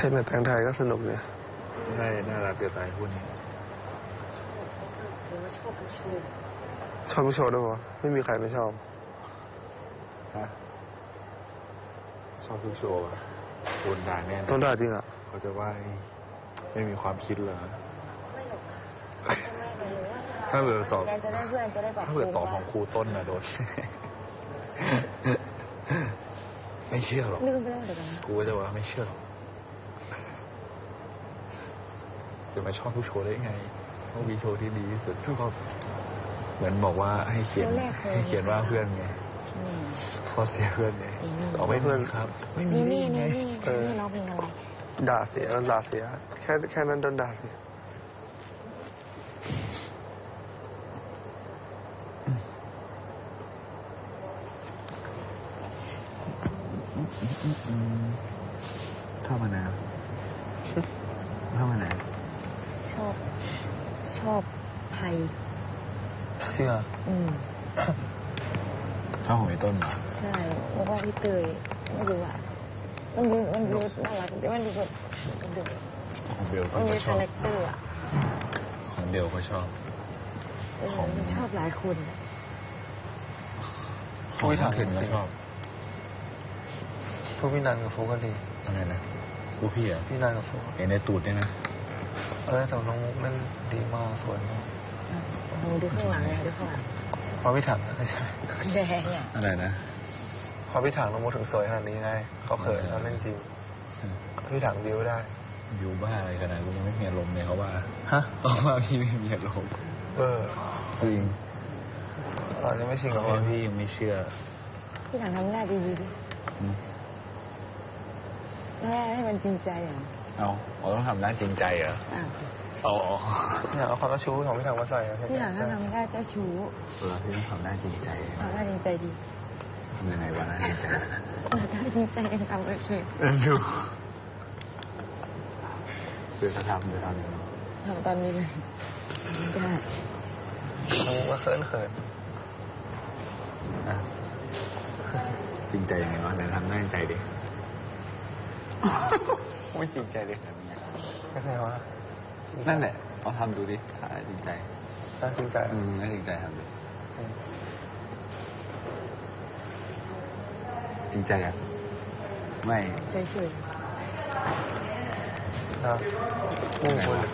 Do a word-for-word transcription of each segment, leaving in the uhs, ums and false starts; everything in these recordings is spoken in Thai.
เล่นกับแตงไทยก็สนุกเลยได้น่ารักเกินไปพูดนี้ชอบทุกโชว์ชอบทุกโชว์ด้วยวะไม่มีใครไม่ชอบฮะชอบทุกโชว์อะโดนด่าแน่ต้องด่าจริงอ่ะเขาจะว่าไม่มีความคิดเหรอถ้าเกิดสอบจะได้เพื่อนจะได้แบบถ้าเกิดตอบของครูต้นนะโดนไม่เชื่อหรอกครูจะว่าไม่เชื่อหรอกจะมาชอบทุกโชว์ได้ไงต้องมีโชว์ที่ดีที่สุดก็เหมือนบอกว่าให้เขียนให้เขียนว่าเพื่อนไงข้อเสียเพื่อนไงเอาไม่เพื่อนครับไม่มีนี่ไงนี่นี่ร้องเพลงอะไรด่าเสียด่าเสียแค่แค่นั้นโดนด่าเสียชอบมานาวชอบมานาวชอบชอบไทยจริงอ่ะอืมชอบของไอ้ต้นเหรอใช่แล้วก็พี่เตยไม่รู้อ่ะมันดูมันดูน่ารักแต่มันดูแบบมันดูของเบลก็ชอบคาแรคเตอร์อ่ะของเบลก็ชอบของชอบหลายคนของพี่ถังก็ชอบพวกพี่นันกับโฟก็ดีอะไรนะพวกพี่อ่ะพี่นันกับโฟเห็นในตูดเนี่ยนะเออแต่น้องมุกนั่นดีมากสวยมากดูข้างหลังเลยดูข้างหลังพอพี่ถังไม่ใช่แดงอ่ะอะไรนะพอพี่ถังน้องมุกถึงสวยขนาดนี้ไงเขาเขินเขาเล่นจริงพี่ถังบิวได้บิวบ้าอะไรขนาดกูยังไม่มีอารมณ์เลยเขาว่าฮะเขาว่าพี่ไม่มีอารมณ์เออจริงเราจะไม่ชิงกับพี่ยังไม่เชื่อพี่ถังทำหน้าดีๆดิแม่ให้มันจริงใจอ่ะเอาเราต้องทำหน้าจริงใจเหรออ๋อเนี่ยเอาความเจ้าชู้ของพี่ถังมาใส่พี่ถังถ้าทำหน้าเจ้าชู้เออพี่ต้องทำหน้าจริงใจทำหน้าจริงใจดีทำยังไงวะหน้าจริงใจหน้าจริงใจกันทำก็คือเอ็นดูเดี๋ยวจะทำเดี๋ยวทำทำตอนนี้เลยได้น้องมุกก็เขินเขินจริงใจยังไงวะแต่ทำหน้าจริงใจดิไม่จริงใจดิไม่ใช่วะนั่นแหละเอาทำดูดิถ่ายจริงใจน่าจริงใจอืมน่าจริงใจทำดิจริงใจอ่ะไม่เฉยๆนะมุ่งคน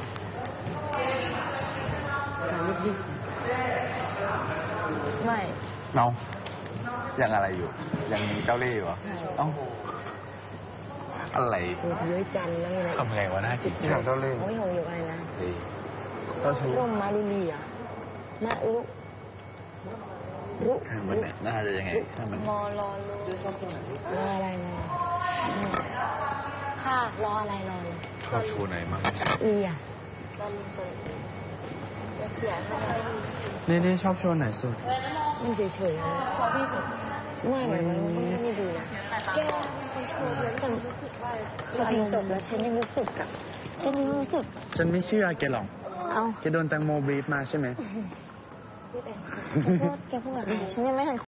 การยึดยึดไม่เนายังอะไรอยู่ยังเจ้าเล่ห์อยู่เอ้าอะไรเยอะจันแล้วไงทำไงวะหน้าจิตที่หลังเจ้าเล่ห์ไม่หงอยู่อะไรนะเจ้าชู้ร่มมาลุลีอ่ะมาลุรุมันเนี่ยน่าจะยังไงถ้ามันมอรอลุรออะไรนะค่ะรออะไรรอเลยชอบชูไหนมั้งลีอ่ะนี่นี่ชอบโชว์ไหนสุดมันเฉยๆนะพอพี่สุดไม่เหมือนมันไม่ดีนะแกไปโชว์เยอะแต่รู้สึกว่าพอเพลงจบแล้วฉันยังรู้สึกอะฉันยังรู้สึกฉันไม่เชื่อแกหรอกเอาแกโดนแตงโมบีบมาใช่ไหมแกพูดแกพูดอะไรฉันยังไม่ทัน